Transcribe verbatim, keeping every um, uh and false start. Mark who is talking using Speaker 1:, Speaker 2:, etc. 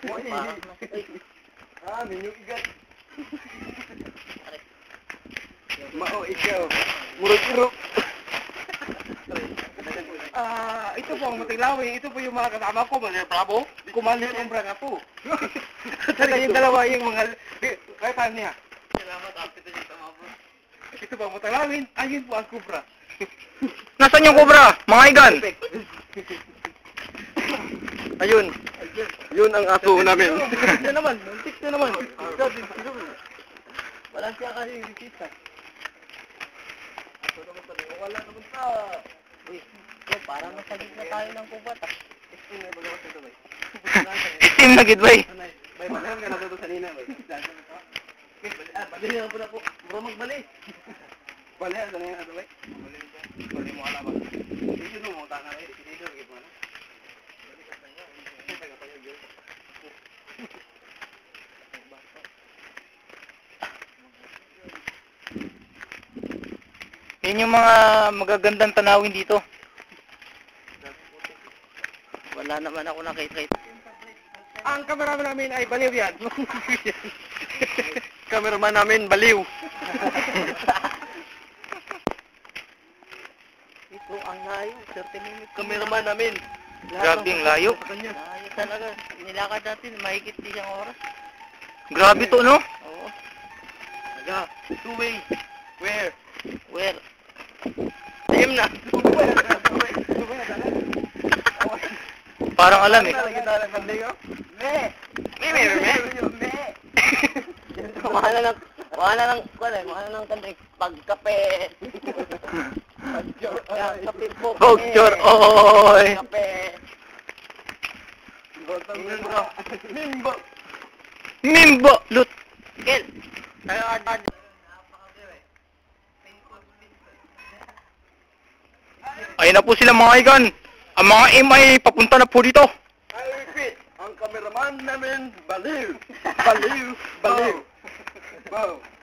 Speaker 1: Ah, minyong igat. Mao ikaw. Murog-irog. Ah, ito po ang Matiglawi. Ito po yung mga kasama ko, mga bravo. Kumanda yung umbra nga po. Saka yung dalawa yung mga... Kaya saan niya? Salamat, apit na yung tamabro. Ito po ang Matiglawi. Ayun po ang kubra.
Speaker 2: Nasaan yung kubra? Mga igan?
Speaker 1: Ayun. Yun ang aso namin.
Speaker 2: Muntik na naman. Muntik na naman.
Speaker 1: Wala siya kasi kita. Wala naman sa... Uy, parang nasa gitna tayo ng kubat. Steam na bago sa Dubai.
Speaker 2: Steam na gid bay.
Speaker 1: Bay, malaham ka na doon sa nina. Bali na po na po. Bro, magbali. Bali, ano na yan, Dubai? Bali na siya. Bali mo alam. Dito mo, mga tanga eh. Dito, gito mo na. Bali ka sa inyo. Ito taga pa yun.
Speaker 2: Yan yung mga magagandang tanawin dito. Wala naman ako nakita.
Speaker 1: Ang cameraman namin ay baliw yan. Cameraman namin baliw. Ito ang layo, thirty minutes. Cameraman namin.
Speaker 2: Grabe ang layo.
Speaker 1: Layo talaga. Nilakad natin, mahigit isang oras.
Speaker 2: Grabe to, no?
Speaker 1: Oo. Aga, two way. Where?
Speaker 2: Where?
Speaker 1: Same na.
Speaker 2: Parang alam eh.
Speaker 1: Me. Me, me, me. Me. Mahal na ng, mahal na ng, kuwan eh, mahal na ng kandig. Pagkape. Kape po.
Speaker 2: Pogchor, oy.
Speaker 1: Kape. Mimbo. Mimbo.
Speaker 2: Mimbo, lut.
Speaker 1: Kel. Tayo agad.
Speaker 2: Ayun na po sila mga igan. Ang mga M ay papunta na po dito.
Speaker 1: I repeat, ang cameraman namin, baliw. Baliw. Baliw. Bow.